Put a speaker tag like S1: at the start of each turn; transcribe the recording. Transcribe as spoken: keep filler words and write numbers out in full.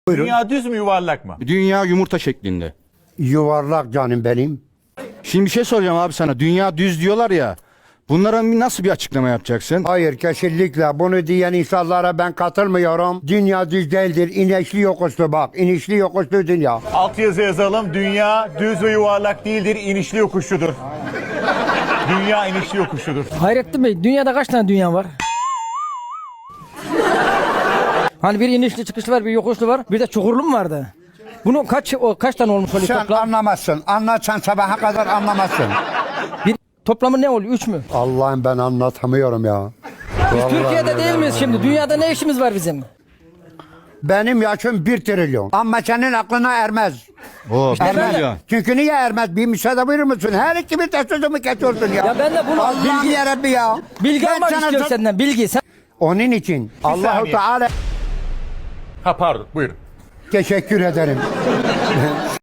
S1: Dünya düz mü yuvarlak mı?
S2: Dünya yumurta şeklinde.
S3: Yuvarlak canım benim.
S2: Şimdi bir şey soracağım abi sana. Dünya düz diyorlar ya. Bunlara nasıl bir açıklama yapacaksın?
S3: Hayır, kesinlikle bunu diyen insanlara ben katılmıyorum. Dünya düz değildir. İnişli yokuşlu bak. İnişli yokuşlu dünya.
S1: Alt yazı yazalım. Dünya düz ve yuvarlak değildir, inişli yokuşludur. Dünya inişli yokuşludur.
S4: Hayrettin Bey, dünyada kaç tane dünya var? Hani bir inişli çıkışlı var, bir yokuşlu var, bir de çukurlu mu vardı? Bunun kaç o kaç tane olmuş oluyor
S3: Sen
S4: toplam?
S3: anlamazsın. Anlatsan sabaha kadar anlamazsın.
S4: Bir toplamı ne oluyor? Üç mü?
S3: Allah'ım ben anlatamıyorum ya.
S4: Biz
S3: Vallahi
S4: Türkiye'de değil miyiz şimdi? Dünyada ne işimiz var bizim?
S3: Benim yaşım bir trilyon. Ama senin aklına ermez.
S2: Oo,
S3: Ermez.
S2: milyon.
S3: Çünkü niye ermez? Bir müsaade buyurur musun? Her iki bir de sözümü kesiyorsun ya.
S4: Ya ben de bunu
S3: Allah'ım
S4: bilgi,
S3: yarabbi ya.
S4: bilgi
S3: Ben
S4: almak
S3: sana
S4: istiyorum
S3: sor-
S4: senden. Bilgi. Sen...
S3: Onun için Allahu
S1: saniye.
S3: Teala
S1: Ha pardon, buyurun.
S3: teşekkür ederim.